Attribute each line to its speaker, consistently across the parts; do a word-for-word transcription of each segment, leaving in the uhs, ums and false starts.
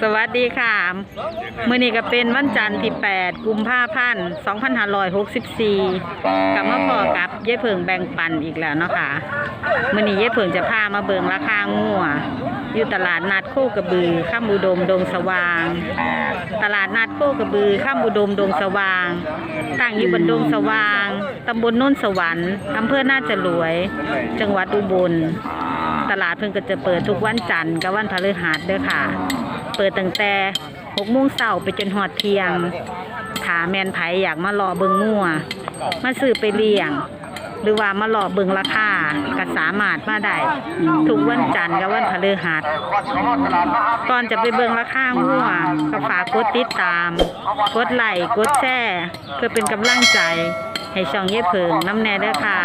Speaker 1: สวัสดีค่ะมื้อนี้ก็เป็นวันจันทร์ที่แปดกุมภาพันธ์สองพันห้าร้อยหกสิบสี่กลับมาพอกับเย้เพิงแบ่งปันอีกแล้วเนาะค่ะมื้อนี้เย้เพิงจะพามาเบิ่งราคางัวอยู่ตลาดนัดโคกระบือข้ามอุดมดงสว่าง ตลาดนัดโคกระบือข้ามอุดมดงสว่างตั้งอยู่บนดงสว่างตำบลโน้นสวรรค์อำเภอน่าจะรวย จังหวัดอุบลตลาดเพิ่งก็จะเปิดทุกวันจันทร์กับวันพฤหัสเด้อค่ะเปิดตั้งแต่หกโมงเช้าไปจนหอดเที่ยงถาแมนไผอยากมารอเบิงงัวมาซื้อไปเลี้ยงหรือว่ามารอเบิงราคาก็สามารถมาได้ทุกวันจันทร์กับวันพฤหัสก่อนจะไปเบิงราคางัวก็ฝากกดติดตามกดไลค์กดแชร์เพื่อเป็นกำลังใจให้ช่องเย้เพิงน้ำแน่เด้อค่ะ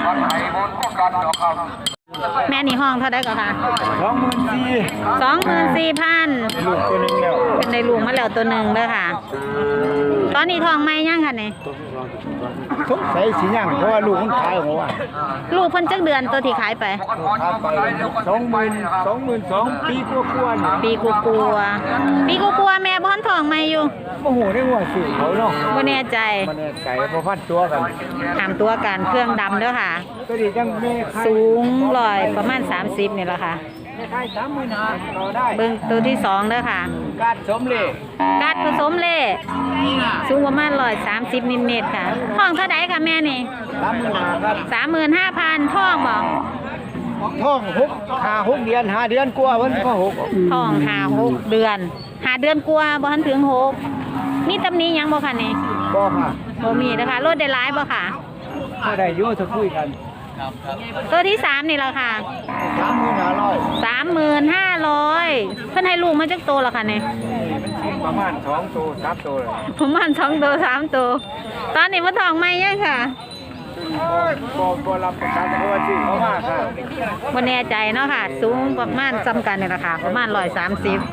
Speaker 1: แม่นี่ห้องเท่าไดก็ค่ะสองหมื่นสี่สองหมื่นสี่พันลูกตัวหนึ่งแล้วเป็นในลูกมาแล้วตัวหนึ่งเด้อค่ะตอนนี้ทองไม่ย่างค่ะเนี่ย
Speaker 2: ทุกใส่สีย่างเพราะว่าลูกมันขายของว่า
Speaker 1: ลูกเพิ่นจักเดือนตัวที่ขายไป
Speaker 2: สองหมื่นสองหมื่นสองปีกลัวๆ
Speaker 1: ปีกลัวปีกลัวแม่บ้านทองไม่อยู่
Speaker 2: โอ้โหได้หัวสื่อเขาเนาะ
Speaker 1: บ่แน่ใจ
Speaker 2: บ่แน่ใจเพราะพันตัวกัน
Speaker 1: ถามตัวกันเครื่องดำเด้อค่ะ
Speaker 2: ตัวนี้จังแม่
Speaker 1: สูงร้อยประมาณสามสิบนี่แหละค่ะเบิ่งตัวที่สองเด้อค่ะ
Speaker 2: กาดผสมเล่
Speaker 1: กาดผสมเล่สูงประมาณร้อยสามสิบนิดๆค่ะท้องเท่าไดค่ะแม่นี่สามหมื่นห้าพันท้องบอก
Speaker 2: ท้องหกหาหกเดือนหาเดือนกว่าวันก็หก
Speaker 1: ท้องหาหกเดือนหาเดือนกว่าบ่ทันถึงหกมีตำหนิยังบ่ค่ะนี่
Speaker 2: บ่ค่ะ
Speaker 1: บ่มีนะคะรถได้หลายบ่ค่ะ
Speaker 2: บ่ได้อยู่จะคุยกัน
Speaker 1: ตัวที่สามนี่แหละค่ะ
Speaker 2: สามหมื่นห้าร้อย
Speaker 1: สามหมื่นห้าร้อยเพิ่นให้ลูกมาจักโตแล้วค่ะนี่
Speaker 2: ประมาณสองตัวสามตัวเลย
Speaker 1: ประมาณสองตัวสามตัวตอนนี้มาทองไม่ยังค่ะ
Speaker 2: บ่บ่รับประกันเพราะว่าสิเขามากค่ะ
Speaker 1: บ่แน่ใจเนาะค่ะสูงประมาณซ้ำกันนี่แหละค่ะประมาณร้อยสามสิบ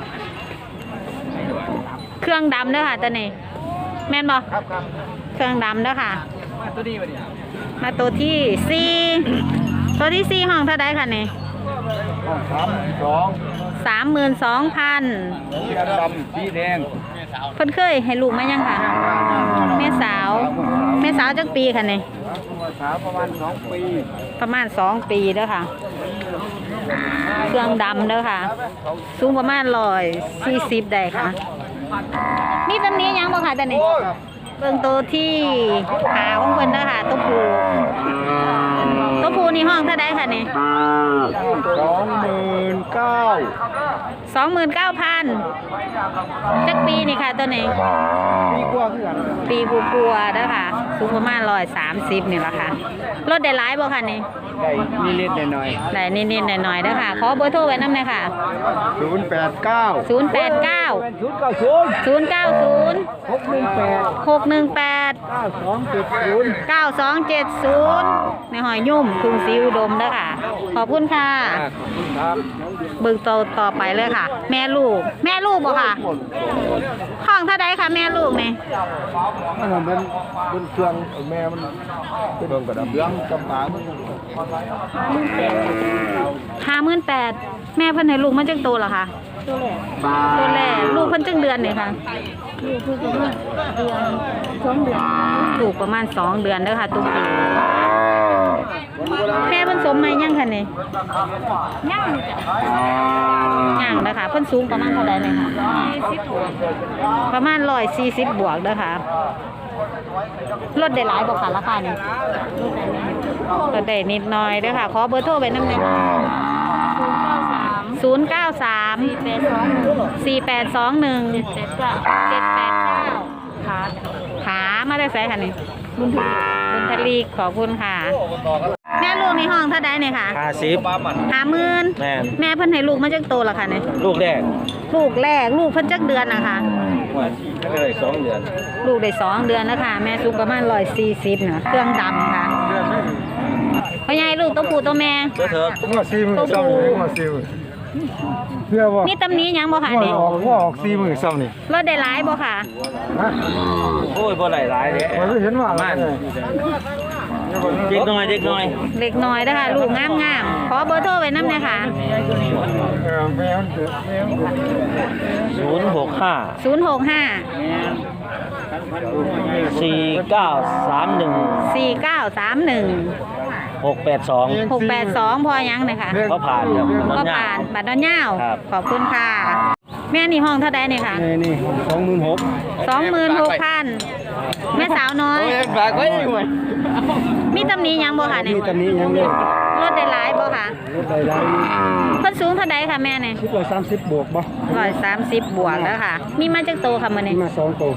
Speaker 1: เครื่องดำเด้อค่ะตัวนี้แม่นบ่
Speaker 2: ครับครับ
Speaker 1: เครื่องดำเด้อค่ะ
Speaker 2: ตัวนี้บ่เนี่ย
Speaker 1: มาตัวที่สี่ตัวที่สี่ห้องเท่าไดค่ะนี่
Speaker 2: ห้องสามสอง
Speaker 1: สามหมื่นสองพัน
Speaker 2: ดำสีแดง
Speaker 1: เพิ่นเคยให้ลูกมายังค่ะแม่สาวแม่สาวจักปีค่ะนี่
Speaker 2: สาวประมาณสองปี
Speaker 1: ประมาณสองปีเด้อค่ะเครื่องดำเด้อค่ะสูงประมาณร้อยสี่สิบได้ค่ะมีตำนี้ยังบ่ค่ะแต่นี่เบิ่งตัวที่ขาของเพิ่นเด้อค่ะตัวผู้ตัวผู้นี่ห้องเท่าใดค่ะนี่
Speaker 2: สองหมื่นเก้า
Speaker 1: สองหมื่นเก้าพันจักปีนี่ค่ะตัวนี้
Speaker 2: ปีกว่าคือกัน
Speaker 1: ปีกลัวๆเด้อค่ะสูงประมาณร้อยสามสิบนี่แหละค่ะรถได้หลายบ่ค่ะนี่
Speaker 2: ได้นิดๆหน่อย
Speaker 1: ๆได้นิดๆหน่อยๆเด้อค่ะขอเบอร์โทรไว้นำหน่อยค่ะ
Speaker 2: ศูนย์แปดเก้า
Speaker 1: ศูนย์แปดเก้า ศูนย์เก้าศูนย์
Speaker 2: หกหนึ่งแปด
Speaker 1: หกหนึ่งแปด
Speaker 2: เก้าสองเจ็ดศูนย์
Speaker 1: เก้าสองเจ็ดศูนย์ในหอยยุ่มกรุงศรีอุดมเด้อค่ะขอบคุณค่ะเบิ่งต่อต่อไปเลยค่ะแม่ลูกแม่ลูกบ่ค่ะห้องเท่าใดค่ะแม่ลูกนี่
Speaker 2: มันเป็นเป็นเครื่องแม่มันเป็นเบิ่งกระดับเรื่องจำปามัน
Speaker 1: ห้าหมื่นแปดแม่เพิ่นให้ลูกมาจักโตเหรอคะตัวแรกตัวแรกลูกเพิ่นจักเดือนนี่ค่ะลูกเพิ่นประมาณเดือนสองเดือนลูกประมาณสองเดือนเด้อค่ะตุ๊กปูแม่เพิ่นสมไหมยังค่ะนี่ยังยังเด้อค่ะเพิ่นสูงประมาณเท่าใดเลยค่ะประมาณร้อยสี่สิบบวกเด้อค่ะลดได้หลายบ่ค่ะราคานี่ลดได้นิดหน่อยเด้อค่ะขอเบอร์โทรไว้นำหน่อยศูนย์เก้าสาม สี่แปดสองหนึ่ง เจ็ดแปดเก้าขาขามาได้ไสค่ะนี่บุญทลีบุญทลีขอบคุณค่ะแม่ลูกในห้องเท่าใดนี่ค่ะ
Speaker 2: ห้าสิบ
Speaker 1: ห้าหมื่นแม่แม่เพิ่นให้ลูกมาจักโตล่ะค่ะนี่
Speaker 2: ลูกแรก
Speaker 1: ลูกแรกลูกเพิ่นจักเดือนน่ะค่ะ
Speaker 2: ได้สองเดือน
Speaker 1: ลูกได้สองเดือนแล้วค่ะแม่สูงประมาณร้อยสี่สิบน่ะเครื่องดำค่ะพ่อใหญ่ลูกตัวผู้ตัวแม่
Speaker 2: ตัวเถอะตัวซีมือซ้ำตัวซีมือเพื่อว่า
Speaker 1: นี่ตำนี้ยังบ่ค่ะนี่
Speaker 2: ออกว่าออกซีมือซ้ำนี่
Speaker 1: รถได้หลายบ่ค่ะ
Speaker 2: โอ้ยบ่ได้หลายเด้
Speaker 1: บ่
Speaker 2: เห็นว่า
Speaker 1: ม
Speaker 3: เด็กน้อยเด็กน้อย
Speaker 1: เล็กน้อยนะคะลูกงามงามๆขอเบอร์โทรไว้น้ำเลยค่ะ
Speaker 3: ศูนย์หกห้า
Speaker 1: ศูนย์หกห้า
Speaker 3: สี่เก้าสามหนึ่ง
Speaker 1: สี่เก้าสามหนึ่ง
Speaker 3: หกแปดสอง
Speaker 1: หกแปดสองพอยังเลยค่ะ
Speaker 3: ก็ผ่านครับ
Speaker 1: ก็ผ่านบัตรดอนย่าว
Speaker 3: ครับ
Speaker 1: ขอบคุณค่ะ แม่นี่ห้องเท่าใดเนี่ยค่ะ
Speaker 2: นี่นี่สองหมื่นหก
Speaker 1: สองหมื่นหกพันแม่สาวน้อย
Speaker 2: ฝากไว้หน่อย
Speaker 1: มีตำหนี้ยังบ่ค่ะเนี่ย
Speaker 2: นี่ตอนนี้ยังเล่น
Speaker 1: รถได้หลายบ่ค่ะ
Speaker 2: รถใด
Speaker 1: เพิ่นสูงเท่าใดค่ะแม่เนี่ย
Speaker 2: ๆคิดว่าสามสิบบวกบ่
Speaker 1: ร้อยสามสิบบวกแล้วค่ะ มีมาจากโตค่ะมื้อนี้
Speaker 2: มาสองตัว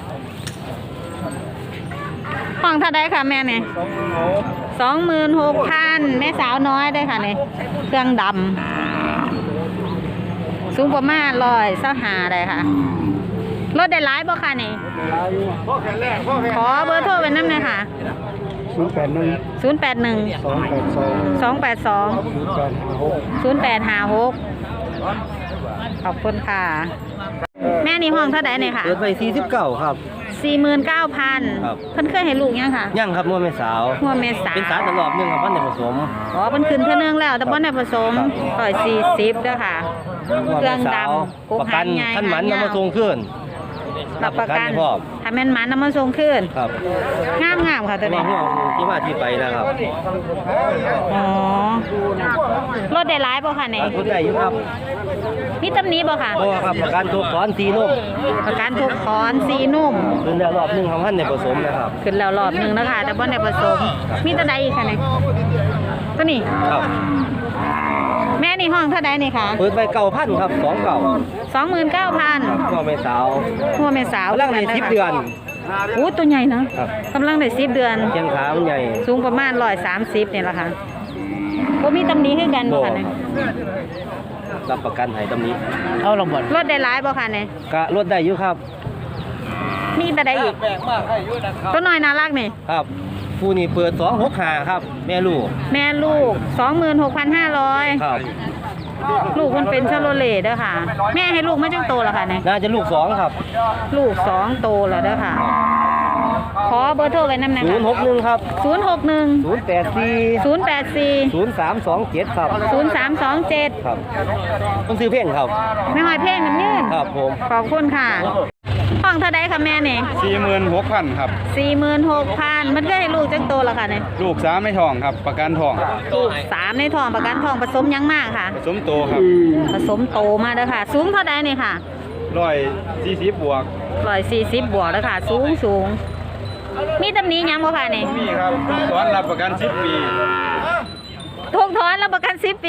Speaker 1: ห้องเท่าใดค่ะแม่เนี่ยสองหมื่นหกพันแม่สาวน้อยได้อค่ะเนี่ยเครื่องดำสูงประมาณร้อยเส้าหาได้ค่ะรถได้หลายบ่ค่ะนี่ขอเบอร์โทรไว้น้ำหน่อยค่ะ
Speaker 2: ศูนย์แปดหนึ่ง
Speaker 1: ศูนย์แปดหนึ่ง
Speaker 2: สองแปดสอง
Speaker 1: สองแปดสอง
Speaker 2: ศูนย์แปดห้าหก
Speaker 1: ศูนย์แปดห้าหกขอบคุณค่ะ แม่นี่ห้องเท่าไหร่เนี่ยค่ะ
Speaker 3: เปิดไปสี่สิบเก้าครับ
Speaker 1: สี่หมื่นเก้าพัน
Speaker 3: ครับ
Speaker 1: เพิ่นเคยให้ลูกยังค่ะ
Speaker 3: ยังครับมั่วแม่สาว
Speaker 1: หัวเมษา
Speaker 3: เป็นสารตลอดหนึงครับพันธุ์ผสม
Speaker 1: อ๋อเพิ่นขึ้นเท่านึงแล้ว แต่บ่ได้ผสมร้อยสี่สิบเด้อค่ะ
Speaker 3: มั่ว
Speaker 1: เครื่
Speaker 3: แม่
Speaker 1: อง
Speaker 3: สาว
Speaker 1: ดำกุ๊ก
Speaker 3: ประกัน
Speaker 1: หางใหญ่
Speaker 3: ท่านหมัน
Speaker 1: หางยาว
Speaker 3: นำมาส่งขึ้น
Speaker 1: รับประกัน
Speaker 3: ให้พร้อม
Speaker 1: ถ้าแม่นหมันนำมาส่งคืน
Speaker 3: ครับ
Speaker 1: งามงามๆค่ะ
Speaker 3: แต่
Speaker 1: ตัว
Speaker 3: ว่า
Speaker 1: นี้
Speaker 3: หัวที่มาที่ไปนะครับ
Speaker 1: อ๋อรถได้หลายบ่ค่ะเนี่ย
Speaker 3: คุณได้อยู่ครับ
Speaker 1: มีตำหนี้บ่ค่ะ
Speaker 3: เพราะว่าครับประกันตัวก้อนสีนุ่ม
Speaker 1: ประกันทุกคอนสีนุ่ม
Speaker 3: ขึ้นแล้วรอบหนึงของพันธุ์ผสมนะครับ
Speaker 1: ขึ้นแล้วรอบหนึงแล้วค่ะ แต่บ่ได้ผสม มีตัวใดอีกค่ะเนี่ยตัวนี้
Speaker 3: ครับ
Speaker 1: แม่นี่ห้องเท่าใดนี่ค่ะ
Speaker 3: เปิดไปเก่าพันครับสองเก่า
Speaker 1: สองหมื่นเก้าพัน
Speaker 3: มั่วแม่สาว
Speaker 1: หัวแม่สาว
Speaker 3: กำลังในสิบเดือน
Speaker 1: โอ้ตัวใหญ่นะครับ กำลังได้สิบเดือน
Speaker 3: เชียงขามันใหญ่
Speaker 1: สูงประมาณร้อยสามสิบเนี่ยแหละค่ะบ่มีตำหนี้คือกันบ่ค่ะเนี่ย
Speaker 3: รับประกันให้ตำนี้เอาลงบด
Speaker 1: รถได้หลายบ่ค่ะเนี่ย
Speaker 3: กะลดได้อยู่ครับ
Speaker 1: มีแต่ใดอีกตัวน้อยน่ารักนี่
Speaker 3: ครับผู้นี้เปิดสองหกขาครับ แม่ลูก
Speaker 1: แม่ลูก สองหมื่นหกพันห้าร้อย
Speaker 3: ครับ
Speaker 1: ลูกมันเป็นชาโลเลเด้อค่ะ แม่ให้ลูกไม่จังโตแล้วค่ะเนี่ย
Speaker 3: น่าจะลูกสองครับ
Speaker 1: ลูกสองโตแล้วเด้อค่ะ ขอเบอร์โทรไว้นำหนะ
Speaker 3: ศู
Speaker 1: คะ
Speaker 3: นย์หกหนึ่งครับ
Speaker 1: ศูนย์หกหนึ่ง
Speaker 3: ศูนย์แปดสี่
Speaker 1: ศูนย์แปดสี่
Speaker 3: ศูนย์สามสองเจ็ดครับ
Speaker 1: ศูนย์สามสองเจ็ด
Speaker 3: ครับต้องซื้อเพ่งครับ
Speaker 1: แม่หอยเพ่งน้ำยืน
Speaker 3: ครับผม
Speaker 1: ขอบคุณค่ะห้องเท่าใดค่ะแม่เนี่ย
Speaker 2: สี่หมื่นหกพันครับ
Speaker 1: สี่หมื่นหกพันมันก็ให้ลูกจังโตแล้วค่ะเนี่ย
Speaker 2: ลูกสามไม่ทองครับ ประกันทอง
Speaker 1: ลูกสามในท้องประกันท้องผสมยังมากค่ะ
Speaker 2: ผสมโตครับ
Speaker 1: ผสมโตมาเด้อค่ะ สูงเท่าใดเนี่ยค่ะ
Speaker 2: ร้อยสี่สิบบวก
Speaker 1: ร้อยสี่สิบบวกแล้วค่ะ สูงสูงมีตำหนี้ยังบ่ค่ะเนี่ย
Speaker 2: มีครับสอนรับประกันสิบปี
Speaker 1: ถูกถอนรับประกันสิบปี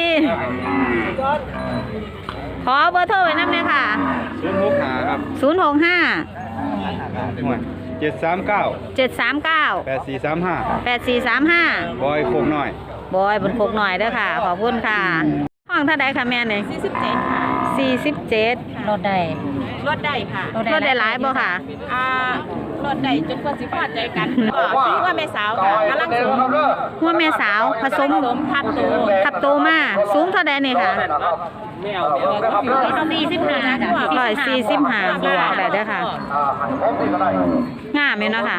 Speaker 1: ขอเบอร์โทรไว้น้ำเลยค่ะ
Speaker 2: ศูนย์หกห้าครับ
Speaker 1: ศูนย์หกห้า
Speaker 2: เจ็ดสามเก้า
Speaker 1: เจ็ดสามเก้า
Speaker 2: แปดสี่สามห้า
Speaker 1: แปดสี่สามห้า
Speaker 2: บอยโคกน้อย
Speaker 1: บอยบนโคกหน่อยเด้อค่ะ ขอบคุณค่ะ ห้องเท่าใดค่ะแม่เนี่ยสี่สิบเจ็ดค่ะสี่สิบเจ็ด
Speaker 4: รถได้
Speaker 5: รถได้ค่ะ
Speaker 1: รถได้หลายบ่ค่ะ
Speaker 5: อ่ารถได้จนกว่าสิพอใจกันก็ซื้อว่าแม่สาวค่ะกำลังสูง
Speaker 1: หัวแม่สาวผสม
Speaker 5: สมทับตัว
Speaker 1: ทับโตมาสูงเท่าใดนี่ค่ะ
Speaker 5: สี่สิบห้า
Speaker 1: ร้อยสี่สิบห้าบวกได้เด้อค่ะงามอยู่เนาะค่ะ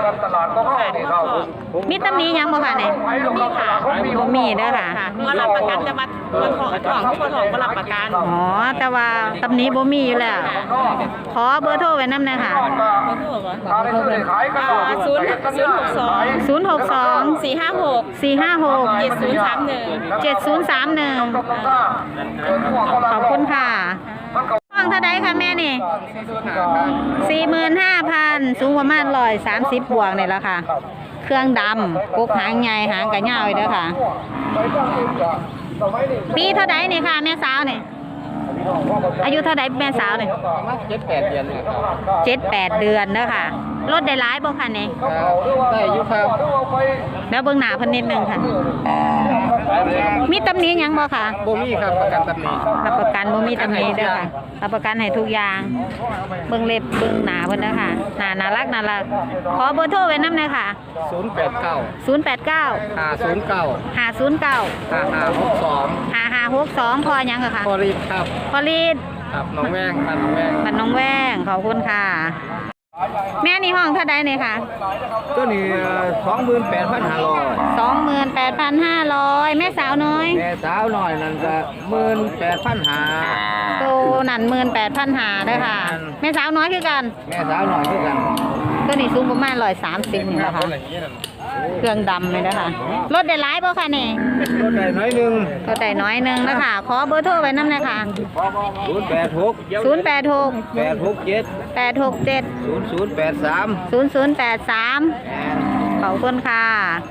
Speaker 1: มีตำหนี้ยังบ่ค่ะเนี่ย
Speaker 5: มีค่ะ
Speaker 1: บ่มีเด้อค่ะ
Speaker 5: ค่ะก็รับประกันแต่ว่าตัวทองทองทุกคนทองก็รับประกัน
Speaker 1: อ๋อ แต่ว่าตำหนี้บ่มีอยู่แล้ว ขอเบอร์โทรไว้นำหน่อยค่ะ
Speaker 5: ศูนย์ศูนย์หกสอง
Speaker 1: ศูนย์หกสอง
Speaker 5: สี่ห้าหก
Speaker 1: สี่ห้าหก
Speaker 5: เจ็ดศูนย์สามหนึ่ง
Speaker 1: เจ็ดศูนย์สามหนึ่งขอบคุณค่ะห้องเท่าใดคะแม่นี่สี่หมื่นห้าพันสูงประมาณร้อยสามสิบบวกนี่แหละค่ะ เครื่องดำกุกหางใหญ่หางกระเหยาวเด้อค่ะ ปีเท่าใดนี่ค่ะแม่สาวนี่อายุเท่าใดแม่สาวนี่
Speaker 3: เจ็ดแปดเดือนครับ
Speaker 1: เจ็ดแปดเดือนเด้อค่ะ รถได้หลายบ่ค่ะนี่
Speaker 3: ได้อยู่ครับ
Speaker 1: แล้วเบิ่งหน้าเพิ่นนิดนึงค่ะ มีตำหนิหยังบ่ค่ะ
Speaker 3: บ่มีครับประกันตำนี้
Speaker 1: รับประกันบ่มีตำหนิเด้อค่ะรับประกันให้ทุกอย่าง เบิ่งเล็บเบิ่งหน้าเพิ่นเด้อค่ะหน้าน่ารักน่ารักขอเบอร์โทรไว้นำหน่อยค่ะ
Speaker 3: ศูนย์แปดเก้า
Speaker 1: ศูนย์แปดเก้า
Speaker 3: ห้าศูนย์เก้า
Speaker 1: ห้าศูนย์เก้า
Speaker 3: ห้าห้าหกสอง
Speaker 1: ห้าห้าหกสองพอหยังค่ะ
Speaker 3: พอรีบครับ
Speaker 1: พอลีด
Speaker 3: ครับน้องแว่งบ้านน้องแว่ง
Speaker 1: บ้านน้องแว้งขอบคุณค่ะแม่นี่ห้องเท่าใดเนี่ยค่ะ
Speaker 2: ตัวนี้สองหมื่นแปดพันห้าร้อย
Speaker 1: สองหมื่นแปดพันห้าร้อยแม่สาวน้อย
Speaker 2: แม่สาวหน่อยนั่นก็หมื่นแปดพันห้า
Speaker 1: โตนั่นหมื่นแปดพันหาเด้อค่ะ แม่สาวน้อยคือกัน
Speaker 2: แม่สาวหน่อยคือกัน
Speaker 1: ตัวนี้สูงประมาณร้อยสามสิบนี่แหละค่ะเครื่องดำเลยนะคะรถได้หลายบ่ค่ะนี่
Speaker 2: รถได้น้อยหนึ่ง
Speaker 1: รถได้น้อยหนึงนะคะขอเบอร์โทรไว้นำหน่อยค่ะ
Speaker 2: ศูนย์แปดหก
Speaker 1: ศูนย์แปดหก
Speaker 2: แปดหกเจ็ด
Speaker 1: แปดหกเจ็ด
Speaker 2: ศูนย์ศูนย์แปดสาม
Speaker 1: ศูนย์ศูนย์แปดสามขอบคุณค่ะ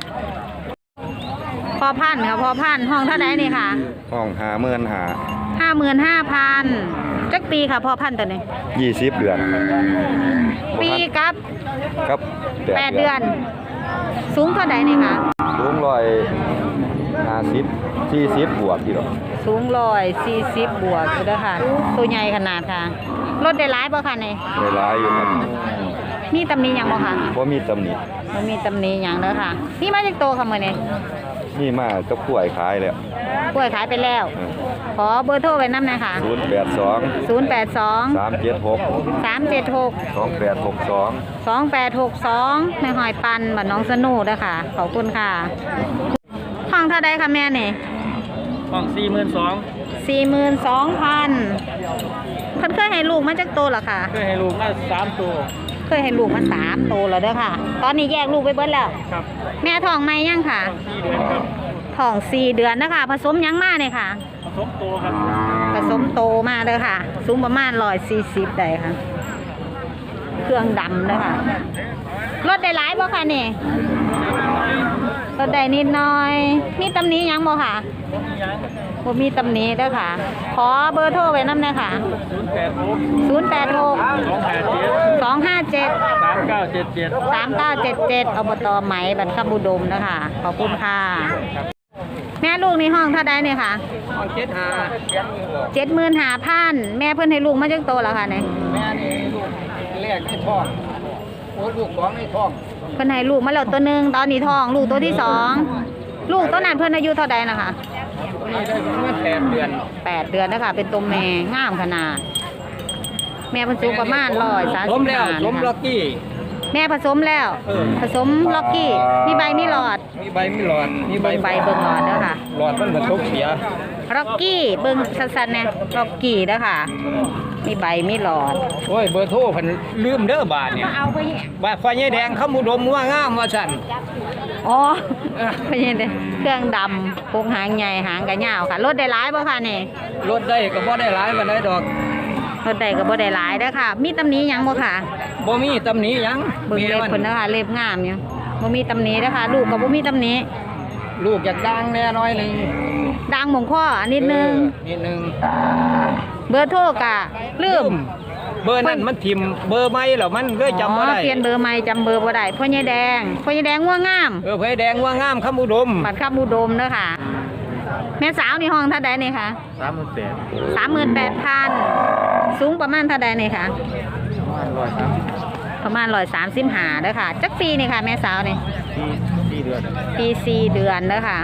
Speaker 1: พอพันค่ะพอพันห้องเท่าไหร่นี่ค่ะ
Speaker 4: ห้องหาเมื่อนหา
Speaker 1: ห้าหมื่นห้าพันจักปีค่ะพอพันตัวนี้
Speaker 4: ยี่สิบเดือน
Speaker 1: ปีกับ
Speaker 4: ครับ
Speaker 1: แปดเดือน สูงเท่าไหร่นี่ค่ะ
Speaker 4: สูงร้อยห้าสิบสี่สิบบวกกี่หรอ
Speaker 1: สูงร้อยสี่สิบบวกอยู่เด้อค่ะ ตัวใหญ่ขนาดค่ะ รถได้หลายบ่ค่ะนี่
Speaker 4: เวลายอยู่ครับ
Speaker 1: มีตำหนิหยังบ่ค่ะ
Speaker 4: เพราะมีตำหนิ
Speaker 1: มันมีตำหนิหยังเด้อค่ะนี่มาจากโตค่ะมื้อนี้
Speaker 4: นี่มาก็ป่วยขายแล้ว
Speaker 1: กล้วยขายไปแล้ว ขอเบอร์โทรไว้นำหน่อยค่ะ
Speaker 4: ศูนย์แปดสอง
Speaker 1: ศูนย์แปดสอง
Speaker 4: สามเจ็ดหก
Speaker 1: สามเจ็ดหก
Speaker 4: สองแปดหกสอง
Speaker 1: สองแปดหกสองในหอยปันบ้านน้องสนุเด้อค่ะ ขอบคุณค่ะห้องเท่าใดคะแม่นี่
Speaker 3: ห้องสี่หมื่นสอง
Speaker 1: สี่หมื่นสองพันเพิ่นเคยให้ลูกมาจากโตเหรอคะ
Speaker 3: เคยให้ลูกมาสามตัว
Speaker 1: เคยให้ลูกมาสามโตแล้วเด้อค่ะ ตอนนี้แยกลูกไปเบิดแล้ว
Speaker 3: ครับ
Speaker 1: แม่ท้องไหมยังค่ะ
Speaker 3: สี่เดือนครับ
Speaker 1: ท้องสี่เดือนนะคะผสมยังมาเนี่ยค่ะ
Speaker 3: ผสมตัวครับ
Speaker 1: ผสมโตมาเลยค่ะ สูงประมาณร้อยสี่สิบได้ค่ะ เครื่องดำเลยค่ะ รถได้หลายบ่ค่ะนี่รถได้นิดหน่อย มีตำหนี้ยังบ่ค่ะบ่มีตำหนี้เด้อค่ะ ขอเบอร์โทรไว้นำหน่อยค่ะ
Speaker 3: ศูนย์แปดหก
Speaker 1: ศูนย์แปดหก
Speaker 3: สองแปดเจ็ด
Speaker 1: สองห้าเจ็ด
Speaker 3: สามเก้าเจ็ดเจ็ด
Speaker 1: สามเก้าเจ็ดเจ็ดอบตไหมบรรคบุดมนะคะขอบคุณค่ะ แม่ลูกในห้องเท่าใดเนี่ยค่ะ
Speaker 3: ห้องเจ็ดห้า
Speaker 1: เจ็ดหมื่นหาพันแม่เพิ่นให้ลูกมาจังโตแล้วค่ะเนี่ย
Speaker 2: แม่นี่ลูกแรกในท้องโอ้ลูกสองในท้อง
Speaker 1: เพิ่นให้ลูกมาแล้วตัวหนึ่งตอนนี้ท้องลูกตัวที่สองลูกตัวนั้นเพิ่นอายุเท่าใดนะคะ
Speaker 2: นี่ได้ประมาณแปดเดือน
Speaker 1: แปดเดือนนะคะเป็นตัวแม่งามขนาด แม่เพิ่นสูงประมาณร้อยสาม
Speaker 2: ส
Speaker 1: สิ
Speaker 2: ม
Speaker 1: บ
Speaker 2: แล้ว
Speaker 1: ห้า
Speaker 2: สมล็อกกี้
Speaker 1: แม่ผสมแล้ว
Speaker 2: เออ
Speaker 1: ผสมล็อกกี้มีใบมีหลอด
Speaker 2: มีใบมีหลอดมีใบ
Speaker 1: เบิ่งใบเบิ่งหลอดเด้อค่ะ
Speaker 2: หลอดมันเหมือนทุกเสีย
Speaker 1: ล็อกกี้เบิ่งสั้นๆเนี่ยล็อกกี้เด้อค่ะ มีใบมีหลอด
Speaker 2: โอ้ยเบอร์โทรเพิ่นลืมเด้อบาทเนี่ย
Speaker 1: เอาไป
Speaker 2: บาทไฟใหญ่แดงเขามุดมว่างามว่าสั่น
Speaker 1: อ๋อไม่ใช่เด้อเครื่องดำพวกหางใหญ่หางกระยาวค่ะ รถได้หลายบ่ค่ะนี่
Speaker 2: รถได้ก็บ่ได้หลายปานใดดอก
Speaker 1: รถได้ก็บ่ได้หลายเด้อค่ะ มีตำหนิหยังบ่ค่ะ
Speaker 2: บ่มีตำหนิหยัง
Speaker 1: เบิ่งเล็บ
Speaker 2: มั
Speaker 1: เพิ่นเด้อค่ะเล็บงามอยู่บ่มีตำหนิเด้อค่ะ ลูกก็บ่มีตำหนิ
Speaker 2: ลูกอยากดังแน่น้อยหนึง
Speaker 1: ดังหม่องข้อนิดนึง
Speaker 2: เออนิดนึง
Speaker 1: เบอร์โทรกะลืม
Speaker 2: เบอร์นั้นมันทิมเบอร์ไม่แล้วมันเลยจำบ่
Speaker 1: อ๋อ
Speaker 2: ได้
Speaker 1: เปลี่ยนเบอร์ใหม่จำเบอร์บ่ได้พ่อใหญ่แดงพ่อใหญ่แดงงัวงาม
Speaker 2: เออไฟแดงว่างามคำอุดม
Speaker 1: บัตรคำอุดมเด้อค่ะ แม่สาวนี่ห้องเท่าใดนี่ค่ะ
Speaker 2: สามหมื่นแปด
Speaker 1: สามหมื่นแปดพันสูงประมาณเท่าใดนี่ค่ะ
Speaker 2: ร้อยสามสิบ
Speaker 1: ประมาณร้อยสามสิบห้าเด้อค่ะ จักปีนี่ค่ะ แม่สาวนี่
Speaker 2: สี่เดือน
Speaker 1: ปีสี่เดือนเด้อค่ะ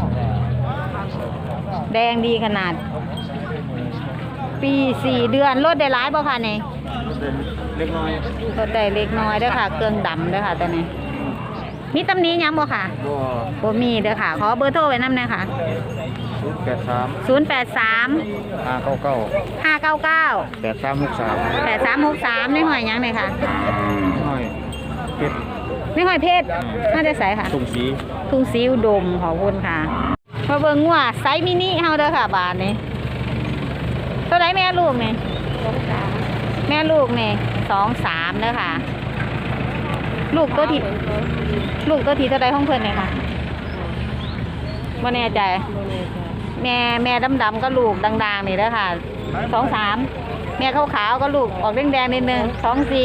Speaker 1: แดงดีขนาด ปีสี่เดือนรถได้หลายบ่ค่ะนี่
Speaker 2: เล็กน้อย
Speaker 1: รถได้เล็กน้อยเด้อค่ะ เครื่องดำเด้อค่ะตัวนี้ มีตำหนี้ยังบ่ค่ะ
Speaker 2: บ่
Speaker 1: บ่มีเด้อค่ะ ขอเบอร์โทรไว้นำหน่อยค่ะ
Speaker 2: ศูนย์แปดสาม
Speaker 1: ศูนย์แปดสาม
Speaker 2: ห้าเก้าเก้า
Speaker 1: ห้าเก้าเก้า
Speaker 2: แปดสามหกสาม
Speaker 1: แปดสามหกสามในหอยยังเลยค่ะ
Speaker 2: น้อยเป็ด
Speaker 1: ในหอยเพชรน่าจะใส่ค่ะ
Speaker 2: สุ่มสี
Speaker 1: ทุ่งสีอุดมขอบคุณค่ะมาเบิ่งงัวไซส์มินิเฮาเด้อค่ะบาทนี้ตัวไหนแม่ลูกนี่แม่ลูกนี่สองสามเด้อค่ะ ลูกตัวที่ลูกตัวที่เท่าใดของเพิ่นเนี่ยค่ะบ่แน่ใจ แม่แม่ดำๆก็ลูกดังๆนี่เด้อค่ะสองสามแม่ขาวๆก็ลูกออกแดงๆนิดนึงสองสี่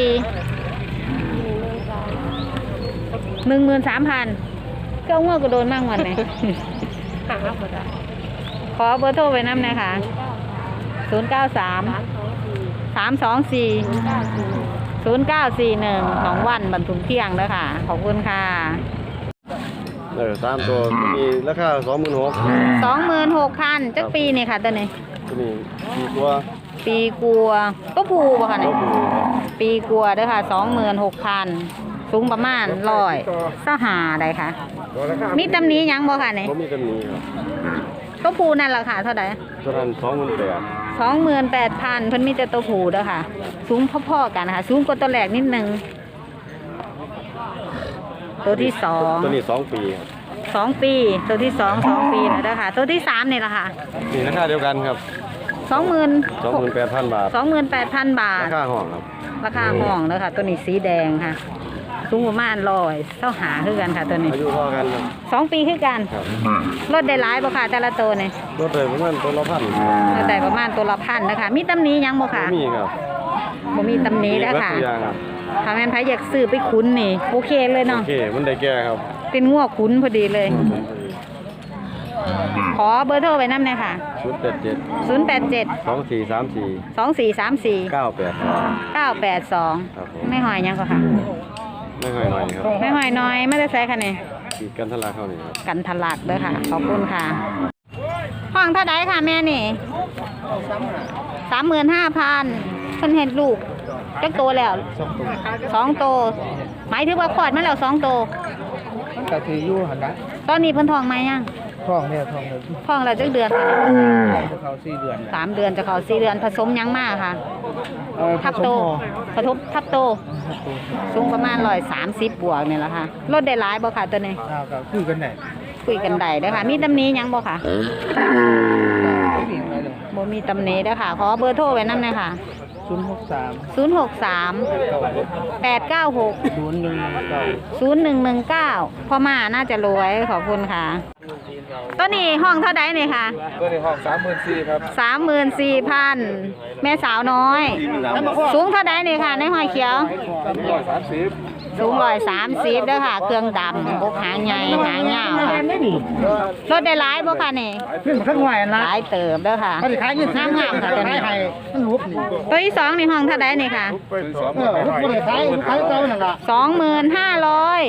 Speaker 1: หนึ่งหมื่นสามพันก็ง่วงก็โดนมากวันไหน ขอเบอร์โทรไว้น้ำหน่อยค่ะศูนย์เก้าสามสามสองสี่ศูนย์เก้าสี่หนึ่งของวันบรรทุกเที่ยงแล้วค่ะ ขอบคุณค่ะ
Speaker 4: เออสามตัวมีราคาสองหมื่นหก
Speaker 1: สองหมื่นหกพันจักปีนี่ค่ะตัวนี้
Speaker 4: ตัวนี้สี่ตัว
Speaker 1: ปีกัวตัวผูบ่ค่ะเนี่ยปีกัวเด้อค่ะสองหมื่นหกพันสูงประมาณร้อยสหาได้ค่ะ มีตำหนี้ยังบ่ค่ะเนี่ย
Speaker 4: ผมมีกันนี้ครับ
Speaker 1: ตัวผูนั่นราคาเท่าไหร่
Speaker 4: ตัวนั้นสองหมื่นแปด
Speaker 1: สองหมื่นแปดพันเพิ่นมีแต่ตัวผูเด้อค่ะ สูงพ่อๆกันนะคะสูงกว่าตัวแรกนิดนึงตัวที่สอง
Speaker 4: ตัวนี้สองปีครับ
Speaker 1: สองปี ตัวที่สองสองปีแล้วเด้อค่ะ ตัวที่สามนี่ละค่ะ
Speaker 4: นี่ราคาเดียวกันครับ
Speaker 1: สองหมื่น
Speaker 4: สองหมื่นแปดพันบาท
Speaker 1: สองหมื่นแปดพันบาท
Speaker 4: ราคาห้องครับ
Speaker 1: ราคาห้องเด้อค่ะ ตัวนี้สีแดงค่ะ สูงประมาณร้อยเท่าหาคือกันค่ะตัวนี้
Speaker 4: อายุพอกันครับ
Speaker 1: สองปีคือกัน
Speaker 4: ครับ
Speaker 1: รถได้หลายบ่ค่ะแต่ละตัวนี่
Speaker 4: รถเลยประมาณตัวละพัน
Speaker 1: รถได้ประมาณตัวละพันนะคะมีตำหนี้ยังบ่ค่ะ
Speaker 4: มีครับ
Speaker 1: บ่มีตำหนี้เด้อค่ะ
Speaker 4: มีเบิดทุกอย่างครับ
Speaker 1: ถ้าแม่นไผอยากซื้อไปคุ้นนี่โอเคเลย
Speaker 4: โอ
Speaker 1: เนาะ
Speaker 4: เคมันได้แก่ครับ
Speaker 1: เป็นงัวคุ้นพอดีเลย ขอเบอร์โทรไว้นำหน่อยค่ะ
Speaker 4: ชุดแปดเจ็ด
Speaker 1: ศูนย์ แปด เจ็ด
Speaker 4: สองสี่สามสี่
Speaker 1: สอง สี่ สาม สี่
Speaker 4: เก้าแปด
Speaker 1: เก้า แปด สอง
Speaker 4: ครับผม
Speaker 1: ไม่หอยยังก็ค่ะ
Speaker 4: ไม่ค่อยหน่อยครับ
Speaker 1: ไม่หอยน้อยไม่ได้ใส่ค่ะนี่
Speaker 4: ขีดกันทะลักเข้านี่ครับ
Speaker 1: กันทะลักเด้อค่ะ ขอบคุณค่ะ ห้องเท่าไดค่ะแม่นี่สามหมื่นห้าพันเพิ่นเห็นลูกจักโตแล้วสองโตหมายถึงว่าคลอดมาแล้วสองโต
Speaker 2: มันก็ถืออยู่หั่นนะ
Speaker 1: ตอนนี้เพิ่นท้องไหมยัง
Speaker 2: ท้องเนี่ยท้องเนี่ย
Speaker 1: ท้องแล้วจักเดือนค่ะ
Speaker 2: เขาสี่เดือน
Speaker 1: สามเดือนจะเข้าสี่เดือนผสมยังมากค่ะ
Speaker 2: เออ
Speaker 1: ทับโตผสมทับโตสูงประมาณร้อยสามสิบบวกเนี่ยแหละค่ะลดได้หลายบ่ค่ะตัวนี้
Speaker 2: อ้าวก็คือกันได้
Speaker 1: คุยกันได้เด้อค่ะ มีตำหนี้ยังบ่ค่ะ
Speaker 2: ไม่มีอะไรเลย
Speaker 1: บ่มีตำหนี้เด้อค่ะ ขอเบอร์โทรไว้นำหน่อยค่ะ
Speaker 2: ศูนย์หกสาม
Speaker 1: ศูนย์ หก สาม แปด เก้า หก
Speaker 2: ศูนย์หนึ่งเก้า
Speaker 1: ศูนย์ หนึ่ง หนึ่ง เก้าพ่อมาน่าจะรวยขอบคุณค่ะตัวนี้ห้องเท่าใดนี่ค่ะ
Speaker 2: ตัวในห้องสามหมื่นสี่ครับ
Speaker 1: สามหมื่นสี่พันแม่สาวน้อย สูงเท่าใดนี่ค่ะในหอยเขียว
Speaker 2: สามร้อยสามสิบ
Speaker 1: สูงร้อยสามสิบเด้อค่ะ เครื่องดำบกหางใหญ่หางยาวค่ะรถได้หลายบ่ค่ะนี่
Speaker 2: ขึ้นมาข้างหน่อยนะ
Speaker 1: หลายเติบเด้อค่ะ
Speaker 2: มันขายยี่สิบ
Speaker 1: งามงามๆค่ะตัวนี้
Speaker 2: มันหุบนี่
Speaker 1: ตัวที่สองนี่ห้องเท่าใดนี่ค่ะ
Speaker 2: เออหุบคนขายขายเจ้านั่นล่ะ
Speaker 1: สองหมื่นห้าร้อย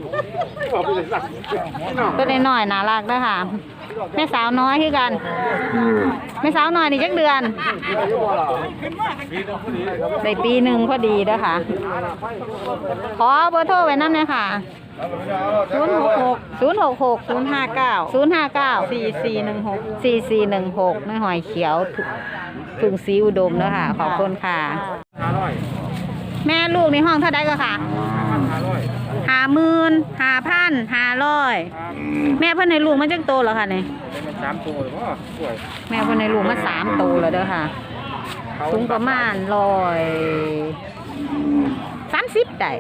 Speaker 1: ตัวนี้น้อยน่ารักเด้อค่ะ แม่สาวน้อยคือกัน แม่สาวน้อยนี่จักเดือนได้ปีหนึ่งพอดีเด้อค่ะ ขอเบอร์โทรไว้นำหน่อยค่ะ ศูนย์ หก หก ศูนย์ หก หก ศูนย์ ห้า เก้า ศูนย์ ห้า เก้า สี่ สี่ หนึ่ง หก สี่ สี่ หนึ่ง หกในหอยเขียวถุงสีอุดมเด้อค่ะ ขอบคุณค่ะ แม่ลูกในห้องเท่าใดก็ค่ะห้าหมื่นห้าพันห้าร้อยแม่เพิ่นให้ลูกมาจักโตแล้วค่ะเนี่ย
Speaker 2: สามตัวหรือว่าสวย
Speaker 1: แม่เพิ่นให้ลูกมาสามโตแล้วเด้อค่ะ สูงประมาณร้อยสามสิบได้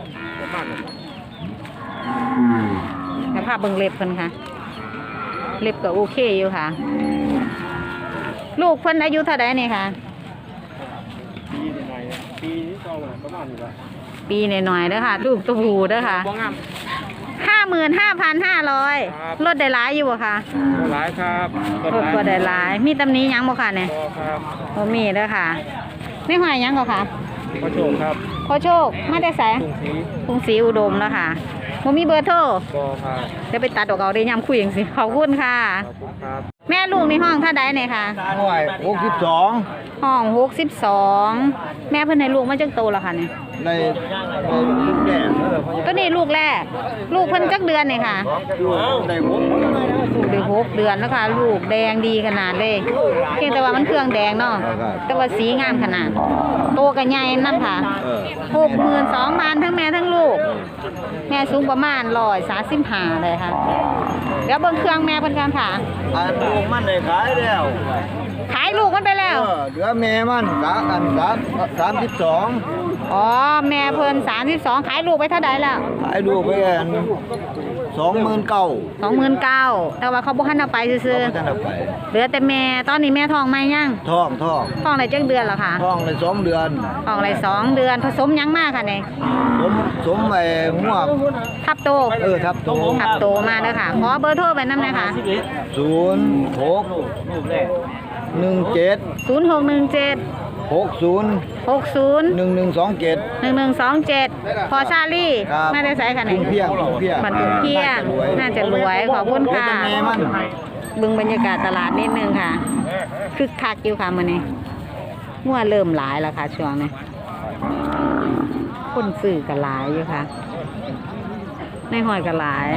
Speaker 1: แต่ภาพเบิ่งเล็บเพิ่นค่ะ เล็บก็โอเคอยู่ค่ะ ลูกเพิ่นอายุเท่าใดนี่ค่ะ
Speaker 2: ปีนี้ไงปีนี้ก็ประมาณนี้ละ
Speaker 1: ปีหน่อยๆเด้อค่ะ ลูกตัวผูเด้อค่ะห้าหมื่นห้าพันห้าร้อยลดได้หลายอยู่บ่ค่ะ
Speaker 2: หลายครับ
Speaker 1: ลดก็ได้หลาย มีตำหนี้ยังบ่ค่ะเนี่ย
Speaker 2: ครับ
Speaker 1: บ่มีเด้อค่ะไม่หอยยังก็ค่ะ
Speaker 2: พระโชคครับ
Speaker 1: ขอโชคมาแต่ไส
Speaker 2: กรุงศรี
Speaker 1: กรุงศรีอุดมแล้วค่ะบ่มีเบอร์โทร
Speaker 2: บอครับ
Speaker 1: เดี๋ยวไปตัดออกเอาได้ยามคุยจังซี่ขอบคุณค่ะ
Speaker 2: ขอบคุณครับ
Speaker 1: แม่ลูกในห้องเท่าใดเนี่ยค่ะ
Speaker 2: หน่วยหกสิบสอง
Speaker 1: ห้องหกสิบสองแม่เพิ่นให้ลูกมาจักโตแล้วค่ะเนี่ย
Speaker 2: ในในลูกแดง
Speaker 1: ตัวนี้ลูกแรก ลูกเพิ่นจักเดือนเนี่ยค่ะ
Speaker 2: อยู่ในหัว
Speaker 1: ลูกได้หกเดือนแล้วค่ะ ลูกแดงดีขนาดเลยเพียงแต่ว่ามันเครื่องแดงเนาะแต่ว่าสีงามขนาดโตก็ใหญ่นำค่ะหกหมื่นสองพันทั้งแม่ทั้งลูก แม่สูงประมาณร้อยสามสิบห้าเลยค่ะเดี๋ยวเบิ่งเครื่องแม่เพิ่นกันค่ะ
Speaker 2: อันลูกมันได้ขายแล้ว
Speaker 1: ขายลูกมันไปแล้ว
Speaker 2: เออเหลือแม่มันกะอันสามสามสิบสอง
Speaker 1: อ๋อแม่เพิ่นสามสิบสองขายลูกไปเท่าใดแล้ว
Speaker 2: ขายลูกไปอันสองหมื่นเก้า
Speaker 1: สองหมื่นเก้าแต่ว่าเขาบ่ทันเอาไปซื่อ
Speaker 2: ก็จะเอาไป
Speaker 1: ๆเหลือแต่แม่ตอนนี้แม่ท้องไหมยัง
Speaker 2: ท้องท้อง
Speaker 1: ท้องได้จักเดือนแล้วค่ะ
Speaker 2: ท้องในสองเดือน
Speaker 1: ท้องได้สองเดือนผสมยังมากค่ะเนี่ย
Speaker 2: สมสมไอ้หัว
Speaker 1: ทับโต
Speaker 2: เออทับโต
Speaker 1: ทับโตมาเด้อค่ะขอเบอร์โทรไปนำหน่อยค่ะ
Speaker 2: ศูนย์หกหนึ่งเจ็ด
Speaker 1: ศูนย์ หก หนึ่ง เจ็ด
Speaker 2: หกศูนย์
Speaker 1: หก ศูนย์
Speaker 2: หนึ่งหนึ่งสองเจ็ด
Speaker 1: หนึ่ง หนึ่ง สอง เจ็ดพอชาลี่
Speaker 2: ครับ
Speaker 1: ไม่ได้ใส่ค่ะเนี่ย
Speaker 2: เพียงเพียง
Speaker 1: บันทุกเพียงน่าจะรวยขอบคุณค่ะ
Speaker 2: แม่มัน
Speaker 1: เบึงบรรยากาศตลาดนิดนึงค่ะคึกคักอยู่ค่ะมื้อนี้งัวเริ่มหลายแล้วค่ะช่วงนี้คนซื้อก็หลายอยู่ค่ะในหอยก็หลาย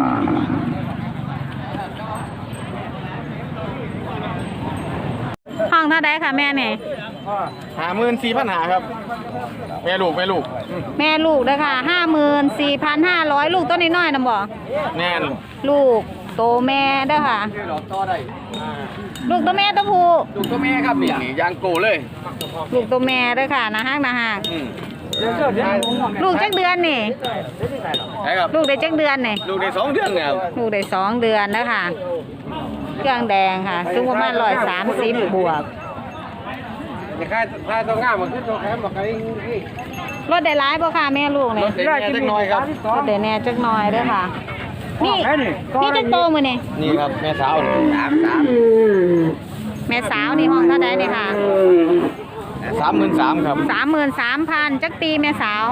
Speaker 1: ห้องเท่าไดค่ะแม่เนี่ย
Speaker 2: หาหมื่นสี่พันหาครับแม่ลูกแม่ลูก
Speaker 1: แม่ลูกเด้อค่ะห้าหมื่นสี่พันห้าร้อยลูกต้นน้อยๆนะบ่
Speaker 2: แน่น
Speaker 1: ลูกโตแม่เด้อค่ะ ลูกตัวแม่ตัวผู้
Speaker 2: ลูกตัวแม่ครับนี่ยางโกเลย
Speaker 1: ลูกตัวแม่เด้อค่ะนะฮักนะฮักลูกจักเดือนนี่
Speaker 2: ใช่ครับ
Speaker 1: ลูกได้จักเดือนนี่
Speaker 2: ลูกในสองเดือนเนี่ยครับ
Speaker 1: ลูกได้สองเดือนเด้อค่ะ เครื่องแดงค่ะสูงประมาณร้อยสามสิบบวก
Speaker 2: จะค่ายค่ายตัวง่ามมันขึ้นตัวแคมบอกไอ้นี่
Speaker 1: รถได้ร้ายบ่ค่ะแม่ลูกนี่
Speaker 2: รถเด็กเล็กน้อยครับ
Speaker 1: รถได้แน่จักหน่อยเด้อค่ะ นี่นี่จักโตมื้อนี่
Speaker 2: นี่ครับแม่สาวสามสาม
Speaker 1: แม่สาวนี่ห้องเท่าใดนี่ค่ะ
Speaker 2: สามหมื่นสามครับ
Speaker 1: สามหมื่นสามพันจักปีแม่สาว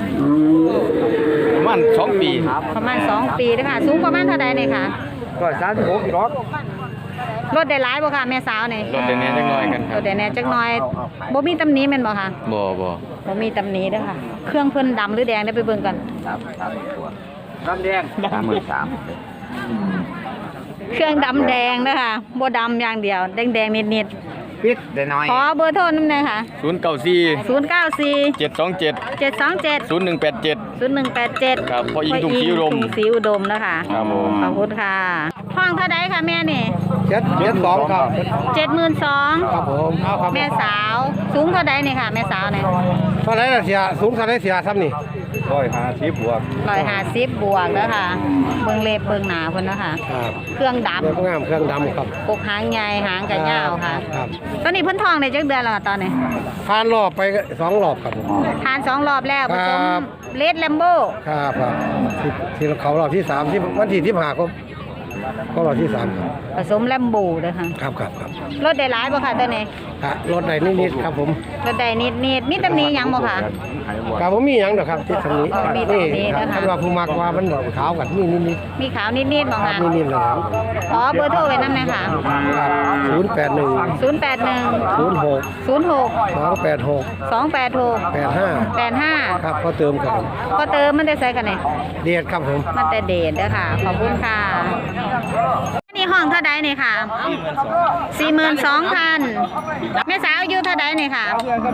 Speaker 2: ประมาณสองปี
Speaker 1: ประมาณสองปีเด้อค่ะ สูงประมาณเท่าใดนี่ค่ะ
Speaker 2: ก็สามสิบหกรถ
Speaker 1: รถได้ร้ายบ่ค่ะแม่สาวนี่
Speaker 2: รถเด็กเล็กน้อยกันค
Speaker 1: ร
Speaker 2: รับ
Speaker 1: ถได้แน่จักหน่อยบ่มีตำหนิแม่นบ่ค่ะ
Speaker 2: บ่บ่
Speaker 1: บ่มีตำหนิเด้อค่ะ เครื่องเพิ่นดำหรือแดงได้ไปเบิ่งกัน
Speaker 2: น้ำแดงสามหมื่นสาม
Speaker 1: เครื่องดำแดงเด้อค่ะบ่ดำอย่างเดียวแดงๆนิด
Speaker 2: พิษเด็กน้อย
Speaker 1: ๆขอเบอร์โทรนำหน่อยค่ะ
Speaker 2: ศูนย์เก้าสี่
Speaker 1: ศูนย์เก้าสี่
Speaker 2: เจ็ดสองเจ็ด
Speaker 1: เจ็ดสองเจ็ด
Speaker 2: ศูนย์หนึ่งแปดเจ็ด
Speaker 1: ศูนย์หนึ่งแปดเจ็ด
Speaker 2: ครับพ่ออิงทุ่งศรีอุดม
Speaker 1: ทุ่งศรีอุดมนะคะ
Speaker 2: ครับผม
Speaker 1: ขอบคุณค่ะห้องเท่าไดค่ะแม่นี่
Speaker 2: เจ็ดเจ็ดสองครับ
Speaker 1: เจ็ดหมื่นสอง
Speaker 2: ครับผมเอาครับ
Speaker 1: แม่สาวสูงเท่าไดนี่ค่ะ แม่สาวเนี่ย
Speaker 2: เท่าไรล่ะเสียสูงเท่าไรเสียซ้ำนี่
Speaker 4: ร้อยห้าสิบบวก
Speaker 1: ร้อยห้าสิบบวกแล้วค่ะ เบิ่งเล็บเบิ่งหนาเพิ่นนะคะ
Speaker 2: ครับ
Speaker 1: เครื่องด
Speaker 2: เรื่องงามเครื่องดำครับ
Speaker 1: ำกกหางใหญ่หางกระยาวค่ะ
Speaker 2: ครับ
Speaker 1: ตอนนี้เพิ่นทองได้จักเดือนแล้วอะตอนนี้
Speaker 2: ผ่านรอบไปสองรอบครับผม
Speaker 1: ทานสองรอบแล้วผสม
Speaker 2: ครับ
Speaker 1: เลดแลมโบ
Speaker 2: ครับครับที่ที่เขารอบที่สามที่วันที่ที่ผ่าก็ก็รอบที่สามครับ
Speaker 1: ผสมแลมโบเด้อค่ะ
Speaker 2: ครับครับครับ
Speaker 1: รถได้หลายบ่ค่ะตัวนี้
Speaker 2: ครับรถใดนิดๆครับผม
Speaker 1: รถได้นิดนิดๆมีตำหนิหยังบ่ค่ะ
Speaker 2: ครับผมมีหยังดอกครับที่ตรงนี้
Speaker 1: อ๋อมีตรงนี้
Speaker 2: ครับ
Speaker 1: นะคะ
Speaker 2: ท่านว่าผู้มักว่ามันดอกขาวกับนี่นิด
Speaker 1: มีขาวนิดนิดๆบ่
Speaker 2: ๆครั
Speaker 1: ค่ะ
Speaker 2: บนิดๆเลยครับ
Speaker 1: ขอเบอร์โทรไว้นำหน่อยค่ะ
Speaker 2: ครับศูนย์แปดหนึ่ง
Speaker 1: ศูนย์แปดหนึ่ง
Speaker 2: ศูนย์หก
Speaker 1: ศูนย์หก
Speaker 2: สองแปดหก
Speaker 1: สองแปดหก
Speaker 2: แปดห้า
Speaker 1: แปดห้า
Speaker 2: ครับก็เติมครับผม
Speaker 1: ก็เติมมันได้ใส่กันนี่
Speaker 2: เดียดครับผม
Speaker 1: มันแต่เดทเด้อค่ะ ขอบคุณค่ะอันนี้ห้องเท่าใดนี่ค่ะสี่หมื่นสองพันแม่สาวอายุเท่าใดนี่ค่ะ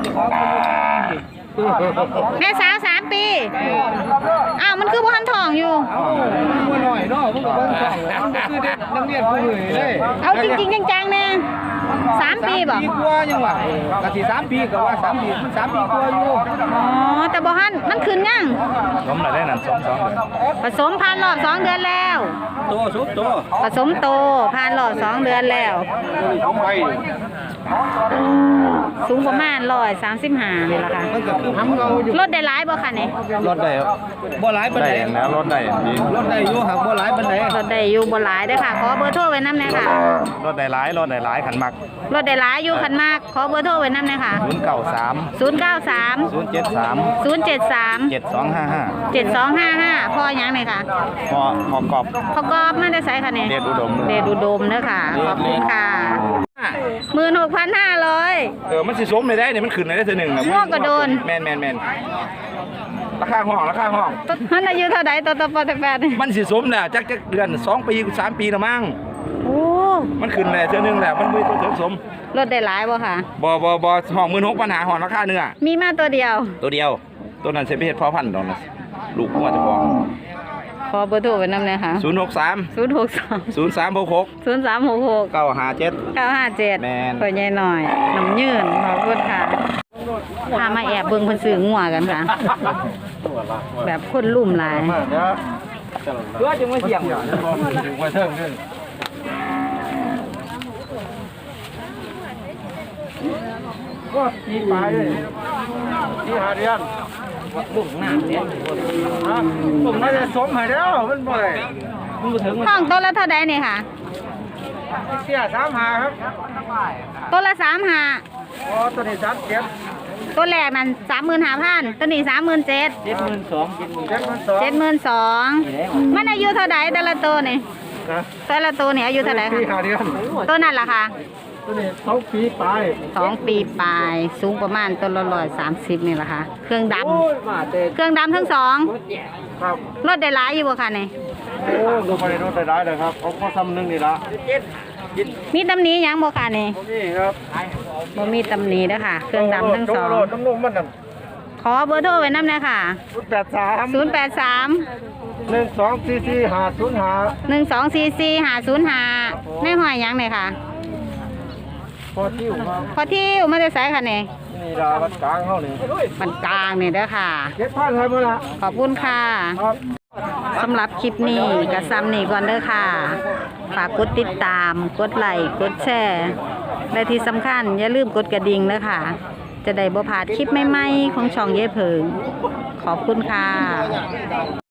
Speaker 1: แม่สาวสามปี อ้าว มันคือบ่ทันทองอยู่
Speaker 2: หน่อยเนาะพวกเราต้องคือเด็กนักเรียนผู้อื่นเลย
Speaker 1: เอาจริงๆจังๆเนี่ยสามปีบ่
Speaker 2: ปีกว่ายังวะกะสิสามปีก็ว่าสามปีมันสามปีกว่าอยู่
Speaker 1: อ๋อ แต่บ่ทันมันขึ้นยัง
Speaker 4: ผมน่ะได้นั่นสองสองเลย
Speaker 1: ผสมพันธุ์รอบสองเดือนแล้ว
Speaker 2: ตัวสุดตัว
Speaker 1: ผสมโตผ่านรอบสองเดือนแล้ว
Speaker 2: ผมไป
Speaker 1: สูงประมาณร้อยสามสิบห้านี่แหละค่ะ
Speaker 2: มันก็คือทำเราอยู่
Speaker 1: รถได้หลายบ่คะนี่
Speaker 4: รถได้ครับ
Speaker 2: บ่หลายปาน
Speaker 4: ได้
Speaker 2: ใด
Speaker 4: แล้วรถได้ดี
Speaker 2: รถได้อยู่หักบ่หลายปานใด
Speaker 1: รถได้อยู่บ่หลายเด้อค่ะ ขอเบอร์โทรไว้นำหน่อยค่ะ
Speaker 4: รถได้หลายรถได้หลายขันมัก
Speaker 1: รถได้หลายอยู่คันมาก ขอเบอร์โทรไว้นำหน่อยค่ะ
Speaker 4: ศูนย์เก้าสาม
Speaker 1: ศูนย์เก้าสาม
Speaker 4: ศูนย์เจ็ดสาม
Speaker 1: ศูนย์เจ็ดสาม
Speaker 4: เจ็ดสองห้าห้า
Speaker 1: เจ็ดสองห้าห้าพ่อหยังหน่อยค่ะ
Speaker 4: พอพอกรอบ
Speaker 1: พ่อกอบมาได้ใส่ค่ะเนี่ย
Speaker 4: เดชอุดม
Speaker 1: เดชอุดมเด้อค่ะ ขอบคุณค่ะหมื่นหกพันห้าร้อย
Speaker 4: เออมันสิสมเลยได้เนี่ยมันขึ้นได้เท่านึงครับ
Speaker 1: ง่วงก็โดน
Speaker 4: แมนแมนแมนราคาห้องราคาห้อง
Speaker 1: มันอายุเท่าใดตัวตัวปอตแปดนี่
Speaker 4: มันสิสมเนี่ยจักจักเดือนสองปีสามปีละมั้ง
Speaker 1: โอ้
Speaker 4: มันขึ้นได้เท่านึงแหละมันไม่ตัวถึงสม
Speaker 1: รถได้หลายบ่ค่ะ
Speaker 4: บ่บ่บ่ห้องหมื่นหกปัญหาห้องราคาเนื้อ
Speaker 1: มีมาตัวเดียว
Speaker 4: ตัวเดียว ตัวนั้นเซฟเฮ็ดพ่อพันธุ์ดอกนะลูกว่าจะฟ้อง
Speaker 1: ขอเบอร์โทรไว้นำหน่อยค่ะ
Speaker 4: ศูนย์หกสาม
Speaker 1: ศูนย์หกสาม
Speaker 4: ศูนย์สามหกหก
Speaker 1: ศูนย์สามหกหก
Speaker 4: เก้าห้าเจ็ด
Speaker 1: เก้าห้าเจ็ด
Speaker 4: แม่น
Speaker 1: เปิดใหญ่หน่อยน้ำยืนขอบคุณค่ะพามาแอบเบิ่งเพิ่นซื้องัวกันค่ะ แบบคนลุ่มหลาย
Speaker 2: เพื่อจึงมาเสี่ยงถึงมาเทิงนึงก็ตีปลายเลยตีหาเดือนบุ่งหน้าเนี่ยผมน่าจะสมให้แล้วมันบ่ได้มันบ่ถึง
Speaker 1: ห้องต้นละเท่าใดนี่ค่ะ
Speaker 2: เสียสามหาครับ
Speaker 1: ต้นละสามห้า
Speaker 2: อ๋อตัวนี้สามเจ็ด
Speaker 1: ต้นแรกนั่นสามหมื่นห้าพันต้นนี้สามหมื่นเจ็ด
Speaker 2: เจ็ดหมื่นสองเจ็ดหมื่นเจ็ดหมื่นสอง
Speaker 1: เจ็ดหมื่นสองมันอายุเท่าใดแต่ละตัวนี่
Speaker 2: นะ
Speaker 1: แต่ละตัวนี่อายุเท่าไหร่
Speaker 2: ตี
Speaker 1: คะ
Speaker 2: หาเดือน
Speaker 1: ตัวนั่นล่ะค่ะ
Speaker 2: ตัวนี้สองปีปลาย
Speaker 1: สองปีปลายสูงประมาณต้นละร้อยสามสิบนี่แหละค่ะเครื่องด
Speaker 2: โอ้ยมาเตะ
Speaker 1: ำเครื่องดำทั้งสอง
Speaker 2: ครับ
Speaker 1: รถได้หลายอยู่บ่ค่ะนี่
Speaker 2: โอ้ดูไปในรถได้เลยครับเขาก็ซ้ำหนึงนี่ละ
Speaker 1: มีตำหนิหยังบ่ค่ะนี่
Speaker 2: ผมนี่ครับ
Speaker 1: บ่มีตำหนิเด้อค่ะ เครื่องดำทั้งสอง
Speaker 2: โโหน้ำนมมันน่ะ
Speaker 1: ขอเบอร์โทรไว้นำหน่อยค่ะ
Speaker 2: ศูนย์แปดสาม
Speaker 1: ศูนย์แปดสาม
Speaker 2: หนึ่งสองสี่สี่ห้าศูนย์ห้า
Speaker 1: หนึ่งสองสี่สี่ห้าศูนย์ห้าในห้อยหยังเนี่ยค่ะ
Speaker 2: พอที่อยู่ครับ
Speaker 1: พอที่อยู่มาได้ไสค่ะนี่
Speaker 2: นี่ดาวัดกลางเขานี่
Speaker 1: มันกลางนี่เด้อค่ะ
Speaker 2: เก็บพันให้มาละ
Speaker 1: ขอบคุณค่ะ
Speaker 2: ครับ
Speaker 1: สำหรับคลิปนี้กับซ้ำนี่ก่อนเด้อค่ะ ฝากกดติดตาม กดไลค์ กดแชร์ และที่สำคัญอย่าลืมกดกระดิ่งเด้อค่ะ จะได้บ่พลาดคลิปใหม่ๆของช่องเย้เพิง ขอบคุณค่ะ